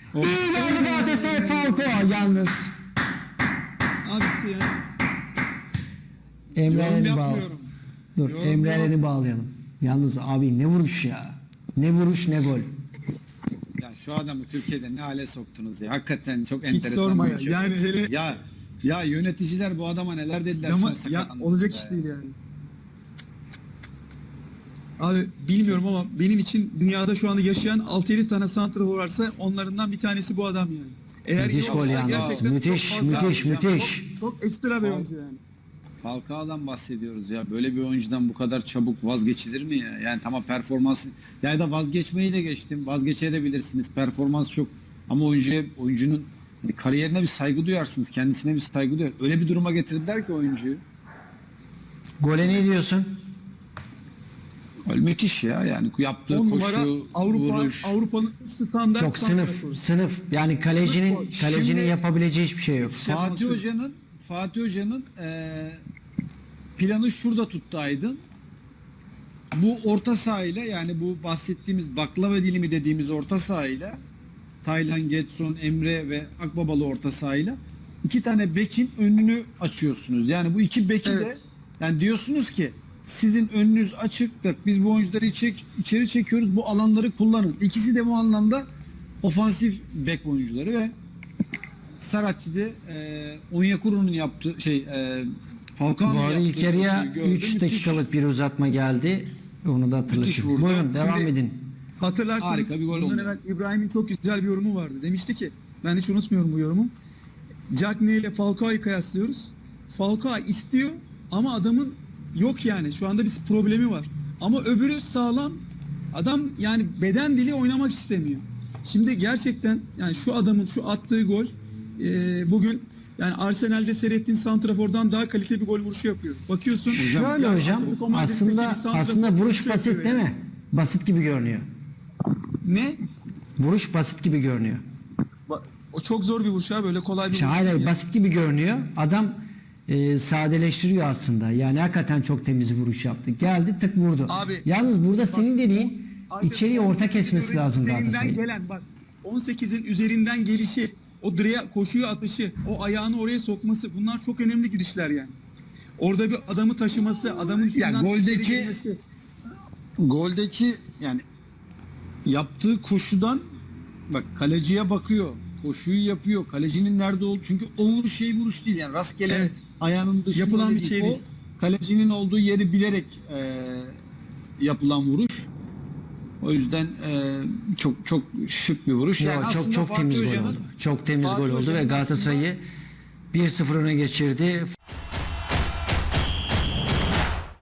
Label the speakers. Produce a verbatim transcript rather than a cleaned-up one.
Speaker 1: İyi geldi Galatasaray Falcao yalnız.
Speaker 2: Abi işte yani.
Speaker 1: Emre
Speaker 3: Yorum
Speaker 1: Eren'i bağla.
Speaker 3: yapmıyorum.
Speaker 1: Dur
Speaker 3: Yorum
Speaker 1: Emre
Speaker 3: yok.
Speaker 1: Eren'i bağlayalım. Yalnız abi ne vuruş ya. Ne vuruş ne gol.
Speaker 3: Ya şu adamı Türkiye'de ne hale soktunuz ya. Hakikaten çok
Speaker 2: Hiç
Speaker 3: enteresan.
Speaker 2: sorma
Speaker 3: bir
Speaker 2: ya.
Speaker 3: çocuk.
Speaker 2: Yani hele-
Speaker 3: ya ya yöneticiler bu adama neler dediler
Speaker 2: Ama
Speaker 3: son
Speaker 2: ya
Speaker 3: sakatlandı.
Speaker 2: olacak iş değil yani. Abi bilmiyorum ama benim için dünyada şu anda yaşayan altı yedi tane santrafor varsa onlarından bir tanesi bu adam yani. Eğer
Speaker 1: Müthiş
Speaker 2: iyi
Speaker 1: gol
Speaker 2: olsa
Speaker 1: yalnız.
Speaker 2: gerçekten
Speaker 1: Müthiş,
Speaker 2: çok fazla-
Speaker 1: müthiş,
Speaker 2: çok-
Speaker 1: müthiş.
Speaker 2: Çok, ekstra bir oyuncu yani.
Speaker 3: Falcao'dan bahsediyoruz ya. Böyle bir oyuncudan bu kadar çabuk vazgeçilir mi ya? Yani tamam performansı ya da vazgeçmeyi de geçtim. Vazgeçebilirsiniz. Performans çok ama oyuncuya oyuncunun hani kariyerine bir saygı duyarsınız. Kendisine bir saygı duyar. Öyle bir duruma getirdiler ki oyuncuyu.
Speaker 1: Gole ne diyorsun?
Speaker 3: Öyle müthiş ya. Yani yaptığı
Speaker 2: on
Speaker 3: koşu,
Speaker 2: numara Avrupa
Speaker 3: vuruş.
Speaker 2: Avrupa'nın standart
Speaker 1: Çok sınıf,
Speaker 2: santraforu.
Speaker 1: sınıf. Yani kalecinin
Speaker 2: Şimdi-
Speaker 1: kalecinin yapabileceği hiçbir şey yok.
Speaker 3: Fatih Hoca'nın Fatih Hoca'nın eee, planı şurada tuttu Aydın. Bu orta sahayla yani bu bahsettiğimiz baklava dilimi dediğimiz orta sahayla Taylan, Getson, Emre ve Akbabalı orta sahayla iki tane bekin önünü açıyorsunuz. Yani bu iki beki de
Speaker 2: Evet.
Speaker 3: yani diyorsunuz ki sizin önünüz açık. Bak biz bu oyuncuları içe- içeri çekiyoruz. Bu alanları kullanın. İkisi de bu anlamda ofansif bek oyuncuları ve Saratçı'da e, Onyekuru'nun yaptığı şey e, Falcao'nun
Speaker 1: Bu arada
Speaker 3: yaptığı
Speaker 1: ilk yarıya
Speaker 3: oyuncuyu gördüm.
Speaker 1: üç
Speaker 3: Müthiş.
Speaker 1: dakikalık bir uzatma geldi. Onu da
Speaker 3: Müthiş
Speaker 1: hatırlatayım.
Speaker 3: vurdu.
Speaker 1: Buyurun devam
Speaker 2: Şimdi-
Speaker 1: edin.
Speaker 2: Hatırlarsanız
Speaker 3: Harika bir gol
Speaker 2: bundan
Speaker 3: oldu.
Speaker 2: evvel İbrahim'in çok güzel bir yorumu vardı. Demişti ki, ben hiç unutmuyorum bu yorumu. Cagney ile Falcao'yu kıyaslıyoruz. Falcao istiyor ama adamın yok yani. Şu anda bir problemi var. Ama öbürü sağlam. Adam yani beden dili oynamak istemiyor. Şimdi gerçekten yani şu adamın şu attığı gol e, bugün yani Arsenal'de seyrettiğin santrafordan daha kaliteli bir gol vuruşu yapıyor. Bakıyorsun.
Speaker 1: Şöyle
Speaker 2: ya
Speaker 1: hocam
Speaker 2: Atletico Madrid'deki
Speaker 1: aslında
Speaker 2: bir santrafor
Speaker 1: aslında vuruş
Speaker 2: vuruşu
Speaker 1: basit
Speaker 2: yapıyor
Speaker 1: değil
Speaker 2: yani.
Speaker 1: mi? Basit gibi görünüyor.
Speaker 2: Ne?
Speaker 1: Vuruş basit gibi görünüyor.
Speaker 2: Ba- O çok zor bir vuruş ha, böyle kolay bir
Speaker 1: İşte
Speaker 2: vuruş
Speaker 1: hayır,
Speaker 2: değil
Speaker 1: hayır,
Speaker 2: yani.
Speaker 1: basit gibi görünüyor. Adam e, sadeleştiriyor aslında. Yani hakikaten çok temiz bir vuruş yaptı. Geldi tık vurdu.
Speaker 2: Abi,
Speaker 1: Yalnız burada senin dediğin
Speaker 2: Aydın,
Speaker 1: içeriye orta
Speaker 2: on sekizin
Speaker 1: kesmesi lazım
Speaker 2: üzerinden
Speaker 1: Galatasaray'ın.
Speaker 2: gelen bak on sekizin üzerinden gelişi, o direğe koşuyu atışı, o ayağını oraya sokması, bunlar çok önemli gidişler yani. Orada bir adamı taşıması, adamın üstünden
Speaker 3: goldeki-
Speaker 2: içeri girmesi.
Speaker 3: Goldeki yani yaptığı koşudan bak kaleciye bakıyor. Koşuyu yapıyor. Kalecinin nerede olduğu çünkü o vuruş şey vuruş değil yani rastgele
Speaker 2: Evet.
Speaker 3: ayağının dışında
Speaker 2: Yapılan
Speaker 3: öyle
Speaker 2: bir şey
Speaker 3: O
Speaker 2: değil.
Speaker 3: kalecinin olduğu yeri bilerek e, yapılan vuruş. O yüzden e, çok çok şık bir vuruş.
Speaker 1: Yo,
Speaker 3: Yani
Speaker 1: çok
Speaker 3: aslında
Speaker 1: çok
Speaker 3: Fatih
Speaker 1: temiz gol
Speaker 3: Hoca'nın-
Speaker 1: oldu. Çok temiz
Speaker 3: Fatih
Speaker 1: gol oldu ve
Speaker 3: Hoca'nın
Speaker 1: Galatasaray'ı bir sıfır öne geçirdi.